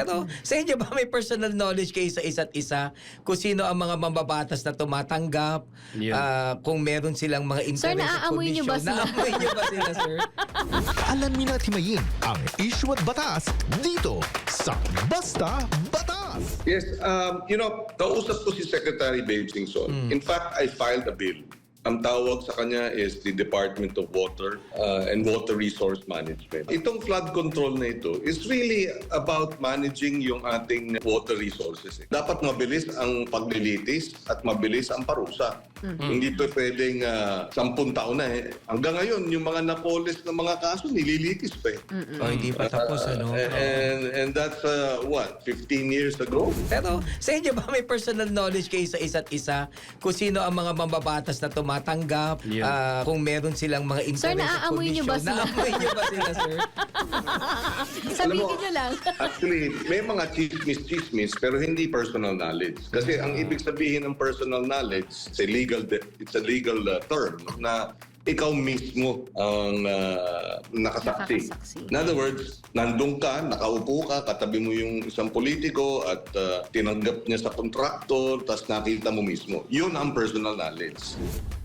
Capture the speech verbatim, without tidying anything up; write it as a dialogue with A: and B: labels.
A: Pero sa inyo ba may personal knowledge kayo sa isa't isa? Kung sino ang mga mambabatas na tumatanggap?
B: Yun.
A: ah, kung meron silang mga
C: Sir,
A: interest at
C: naaamoy niyo ba
A: condition.
C: sila?
A: Naamoy niyo ba sila, sir?
D: Alamin at himayin ang issue at batas dito sa Basta Batas.
E: Yes, um, you know, kausap ko si Secretary Babe Singson. In fact, I filed a bill. Ang tawag sa kanya is the Department of Water uh, and Water Resource Management. Itong flood control na ito is really about managing yung ating water resources. eh. Dapat mabilis ang paglilitis at mabilis ang parusa. Hindi pa pwedeng uh, sampung taon na eh. Hanggang ngayon, yung mga napolis na mga kaso, nililitis pa eh.
A: O hindi pa tapos, ano?
E: Uh, and, and that's, uh, what, fifteen years ago?
A: Pero sa inyo ba may personal knowledge kayo sa isa't isa? Kung sino ang mga mambabatas na tumatanggap?
B: Yun.
A: ah, kung meron silang mga interest
C: Sir,
A: at
C: naaamoy niyo ba
A: condition.
C: sila?
A: Naamoy niyo ba sila, sir?
C: Sabihin
E: mo,
C: niyo lang.
E: Actually, may mga chismis-chismis pero hindi personal knowledge. Kasi ang ibig sabihin ng personal knowledge, it's a legal, de- it's a legal uh, term na ikaw mismo ang uh, nakasaksi.
C: Nakakasaksi.
E: In other words, nandun ka, nakaupo ka, katabi mo yung isang politiko at uh, tinanggap niya sa kontraktor, tapos nakita mo mismo. Yun ang personal knowledge.